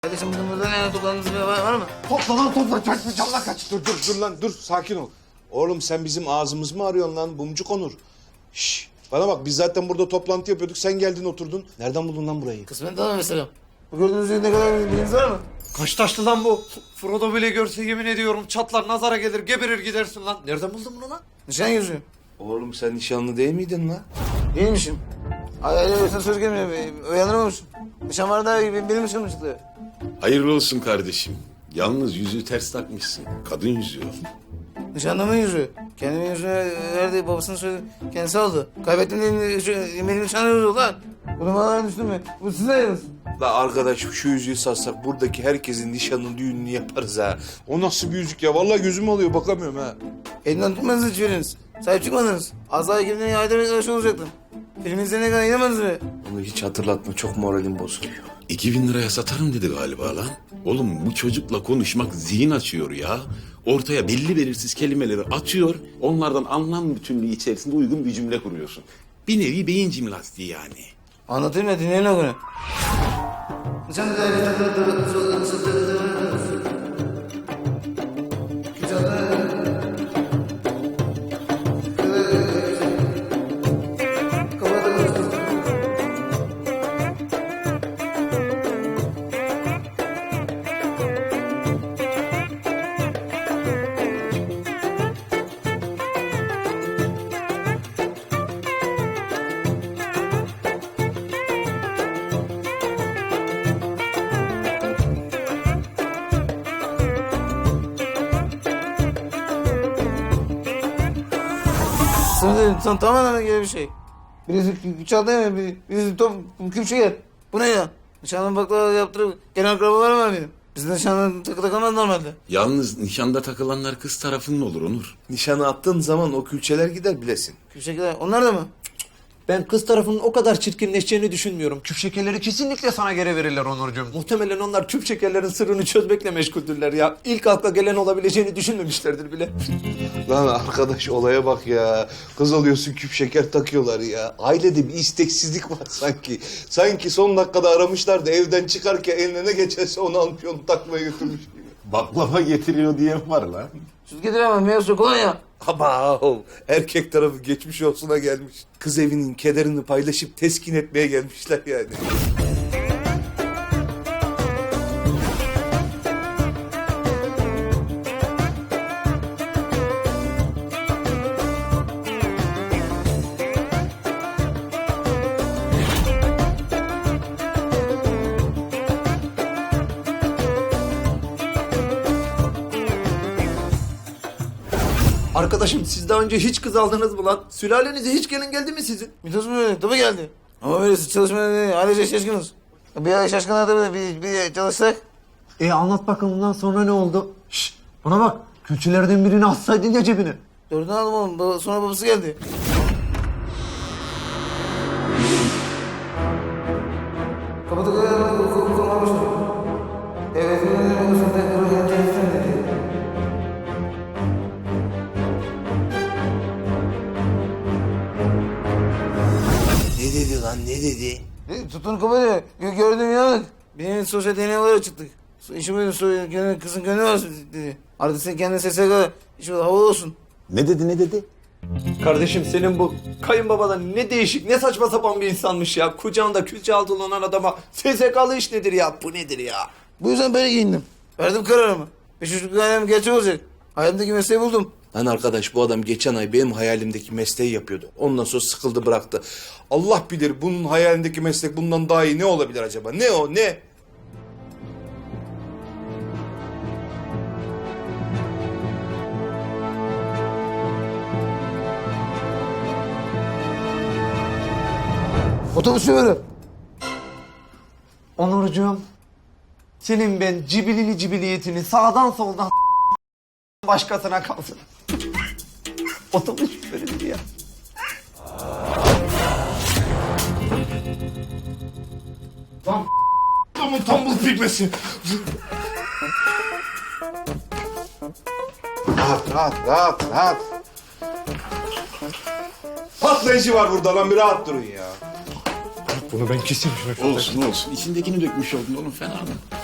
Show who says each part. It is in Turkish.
Speaker 1: Kardeşim bugün burada ne toplandığınız bir var mı?
Speaker 2: Topla lan topla. Canla kaç. Dur lan dur sakin ol. Oğlum sen bizim ağzımız mı arıyorsun lan Bumcuk Onur? Şşş bana bak biz zaten burada toplantı yapıyorduk. Sen geldin oturdun. Nereden buldun lan burayı?
Speaker 1: Kısmet tamam mesela. Bu gördüğünüz gibi ne kadar bilginiz var mı?
Speaker 3: Kaç taşlı lan bu? Frodo bile görse yemin ediyorum çatlar nazara gelir geberir gidersin lan. Nereden buldun bunu lan?
Speaker 1: Nişan yüzüğü.
Speaker 2: Oğlum sen nişanlı değil miydin lan?
Speaker 1: Değilmişim. Ay sen söz gelmiyor. Uyanırmamışım. Nişan var daha iyi. Benim nişanım çıktı.
Speaker 4: Hayırlı olsun kardeşim. Yalnız yüzüğü ters takmışsın. Kadın yüzüğü.
Speaker 1: Nişanlımın yüzüğü. Kendimin yüzüğünü verdi. Babasının söyledi. Kendisi aldı. Kaybettim diye benim nişanım yüzüğü lan. Bu numaralara düştüm mü? Bu size yalnız.
Speaker 2: La arkadaş şu yüzüğü satsak buradaki herkesin nişanını düğününü yaparız ha. O nasıl bir yüzük ya? Vallahi gözüm alıyor bakamıyorum ha.
Speaker 1: Elinden tutmadınız hiçbiriniz. Sahip çıkmadınız. Az daha ekibimden ayda bir arkadaş olacaktım. Film izleyene kadar inanmadınız mı?
Speaker 2: Onu hiç hatırlatma çok moralim bozuluyor.
Speaker 4: 2000 liraya satarım dedi galiba lan. Oğlum bu çocukla konuşmak zihin açıyor ya. Ortaya belli belirsiz kelimeleri atıyor. Onlardan anlam bütünlüğü içerisinde uygun bir cümle kuruyorsun. Bir nevi beyin jimnastiği yani.
Speaker 1: Anlatayım da dinleyin o günü. Sınırda tamamen gibi bir şey. Birisi çaldı ya, birisi küpçe. Bu ne ya? Nişanlı baklava yaptırıp gelen akrabalarım var benim. Bizde nişanlı takamaz normalde.
Speaker 4: Yalnız nişanda takılanlar kız tarafının olur Onur.
Speaker 2: Nişanı attığın zaman o külçeler gider bilesin.
Speaker 1: Küpçekiler, onlar da mı?
Speaker 3: Ben kız tarafının o kadar çirkinleşeceğini düşünmüyorum. Küp şekerleri kesinlikle sana geri verirler Onurcuğum. Muhtemelen onlar küp şekerlerin sırrını çözmekle meşguldürler ya. İlk akla gelen olabileceğini düşünmemişlerdir bile.
Speaker 2: Lan arkadaş olaya bak ya. Kız alıyorsun küp şeker takıyorlar ya. Ailede bir isteksizlik var sanki. Sanki son dakikada aramışlar da evden çıkarken eline ne geçerse onu almış onu takmaya götürmüş gibi.
Speaker 4: Baklava getiriyor diyen var lan.
Speaker 1: Süt getiremem, meyve suyu kolonya.
Speaker 2: Ama erkek tarafı geçmiş olsuna gelmiş. Kız evinin kederini paylaşıp teskin etmeye gelmişler yani.
Speaker 3: Arkadaşım siz daha önce hiç kız aldınız mı lan? Sülalenize hiç gelin geldi mi sizin?
Speaker 1: Mitos mu öyle? Tabii geldi. Ama böyle çalışmaya değil, ailece şaşkınız. Bir ay şaşkınlar tabii bir çalışsak.
Speaker 3: Anlat bakalım bundan sonra ne oldu? Şşş bana bak. Külçelerden birini atsaydın ya cebine.
Speaker 1: Dördünü aldım oğlum, sonra babası geldi. Kapıda kalmıştım. Evet, babasının tekrar geleceğini dedi.
Speaker 2: Ne dedi lan ne dedi?
Speaker 1: Tutun kapıyı. Gördüm inanmadık. Benim sosyal deneyimlere çıktık. İşim öyle kızın gönlü var dedi. Artık sen kendine sesle kadar işim havalı olsun.
Speaker 4: Ne dedi?
Speaker 3: Kardeşim senin bu kayınbabadan ne değişik ne saçma sapan bir insanmış ya. Kucağında külçe altı olan adama SSK'lı iş nedir ya? Bu nedir ya?
Speaker 1: Bu yüzden böyle giyindim. Verdim kararımı. 5 çocuk hayalım gerçek olacak. Hayalimdeki mesleği buldum.
Speaker 2: Lan arkadaş bu adam geçen ay benim hayalimdeki mesleği yapıyordu. Ondan sonra sıkıldı bıraktı. Allah bilir bunun hayalindeki meslek bundan daha iyi ne olabilir acaba? Ne o ne?
Speaker 1: Otobüs şoförü.
Speaker 3: Onurcuğum, senin ben cibilili cibiliyetini sağdan soldan başkasına kalsın. Otobüs şoförü ya.
Speaker 2: Lan tombul pigmesi. Rahat. Patlayıcı var burada lan bir rahat durun ya.
Speaker 5: Bunu ben keseyim şunu.
Speaker 4: Olsun. İçindekini dökmüş oldun oğlum fena mı?